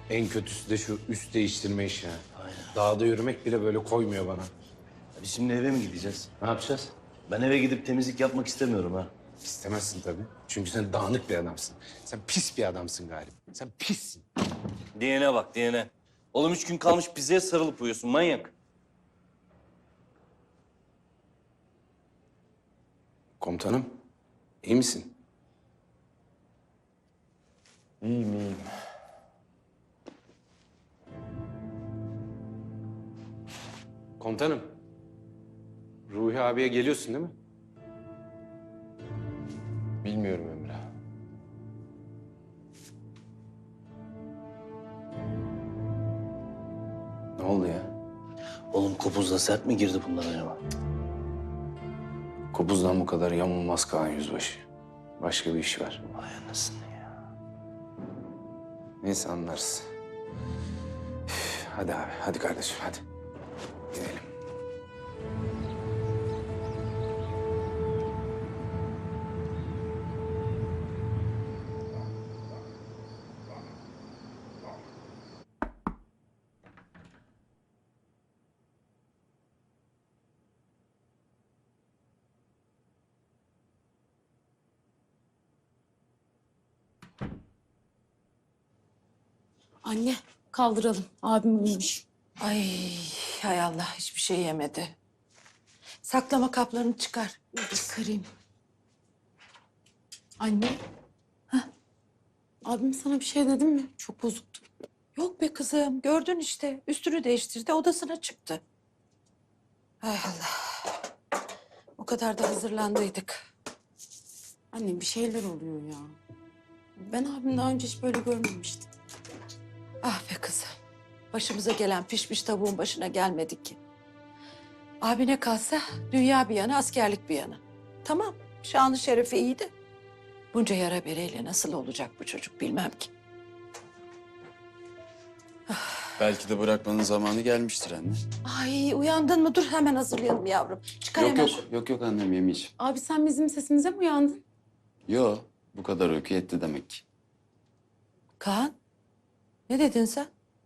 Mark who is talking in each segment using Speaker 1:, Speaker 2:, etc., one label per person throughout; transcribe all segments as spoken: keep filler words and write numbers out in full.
Speaker 1: En kötüsü de şu üst değiştirme işi. ha.
Speaker 2: Aynen.
Speaker 1: Dağda yürümek bile böyle koymuyor bana.
Speaker 2: Biz şimdi eve mi gideceğiz?
Speaker 1: Ne yapacağız?
Speaker 2: Ben eve gidip temizlik yapmak istemiyorum ha.
Speaker 1: İstemezsin tabii. Çünkü sen dağınık bir adamsın. Sen pis bir adamsın galiba. Sen pissin.
Speaker 2: Diyene bak diyene. Oğlum üç gün kalmış pizzaya sarılıp uyuyorsun manyak.
Speaker 1: Komutanım, iyi misin?
Speaker 2: İyiyim iyiyim.
Speaker 1: Komutanım, Ruhi abiye geliyorsun değil mi?
Speaker 3: Bilmiyorum Emre.
Speaker 1: Ne oldu ya?
Speaker 2: Oğlum kopuzla sert mi girdi bunlar acaba?
Speaker 1: Kopuzdan bu kadar yamulmaz Kaan Yüzbaşı. Başka bir iş var.
Speaker 2: Vay anasını ya.
Speaker 1: Neyse anlarız. Üf, hadi abi, hadi kardeşim, hadi. Gidelim.
Speaker 4: Anne kaldıralım. Abim uyumuş.
Speaker 5: Ay hay Allah hiçbir şey yemedi. Saklama kaplarını çıkar.
Speaker 4: Çıkarayım. Anne. Heh. Abim sana bir şey dedi mi? Çok bozuktu.
Speaker 5: Yok be kızım gördün işte üstünü değiştirdi odasına çıktı. Hay Allah. O kadar da hazırlandıydık.
Speaker 4: Anne bir şeyler oluyor ya. Ben abim daha önce hiç böyle görmemiştim.
Speaker 5: Ah be kızım. Başımıza gelen pişmiş tavuğun başına gelmedik ki. Abine kalsa dünya bir yana askerlik bir yana. Tamam şanı şerefi iyi de. Bunca yara bereyle nasıl olacak bu çocuk bilmem ki.
Speaker 3: Belki de bırakmanın zamanı gelmiştir anne.
Speaker 5: Ay uyandın mı? Dur hemen hazırlayalım yavrum. Çıkar
Speaker 3: Yok
Speaker 5: hemen
Speaker 3: yok,
Speaker 5: şu-
Speaker 3: yok yok annem yemeyeceğim.
Speaker 4: Abi sen bizim sesimize mi uyandın?
Speaker 3: Yok, bu kadar uyku yetti demek ki.
Speaker 5: Kaan, ne dedin sen?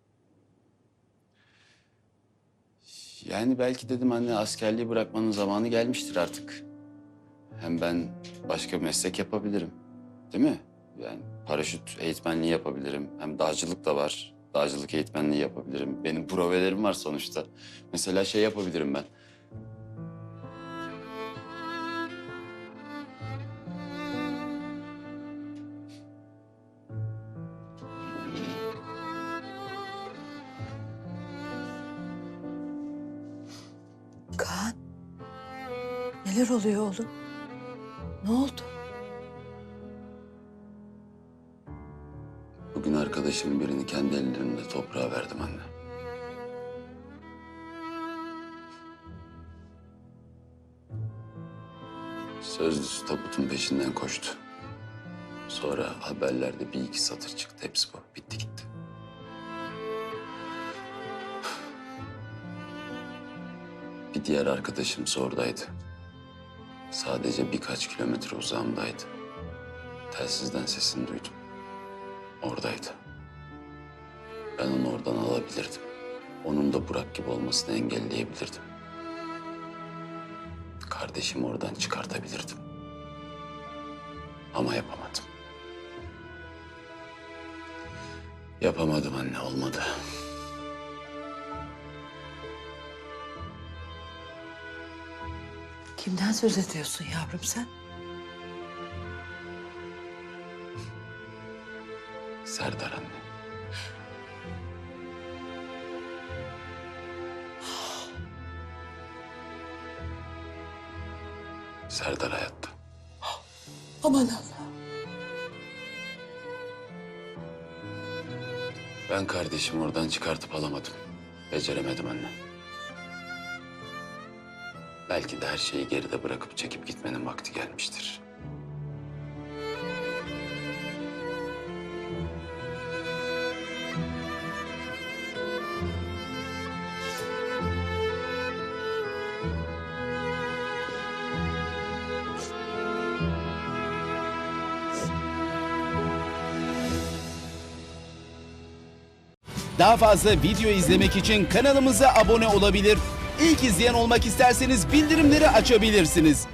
Speaker 3: Yani belki dedim anne askerliği bırakmanın zamanı gelmiştir artık. Hem ben başka bir meslek yapabilirim. Değil mi? Yani paraşüt eğitmenliği yapabilirim. Hem dağcılık da var. Dağcılık eğitmenliği yapabilirim. Benim provelerim var sonuçta. Mesela şey yapabilirim ben.
Speaker 5: Kaan, neler oluyor oğlum? Ne oldu?
Speaker 3: Bugün arkadaşımın birini kendi ellerimle toprağa verdim anne. Sözlüsü tabutun peşinden koştu. Sonra haberlerde bir iki satır çıktı. Hepsi bu. Bitti gitti. Bir diğer arkadaşım oradaydı. Sadece birkaç kilometre uzağımdaydı. Telsizden sesini duydum. Oradaydı. Ben onu oradan alabilirdim. Onun da Burak gibi olmasını engelleyebilirdim. Kardeşimi oradan çıkartabilirdim. Ama yapamadım. Yapamadım anne, olmadı.
Speaker 5: Kimden söz ediyorsun yavrum sen?
Speaker 3: Serdar anne. Serdar hayatta.
Speaker 5: Aman Allah.
Speaker 3: Ben kardeşimi oradan çıkartıp alamadım. Beceremedim anne. Belki de her şeyi geride bırakıp çekip gitmenin vakti gelmiştir.
Speaker 6: Daha fazla video izlemek için kanalımıza abone olabilir. İlk izleyen olmak isterseniz bildirimleri açabilirsiniz.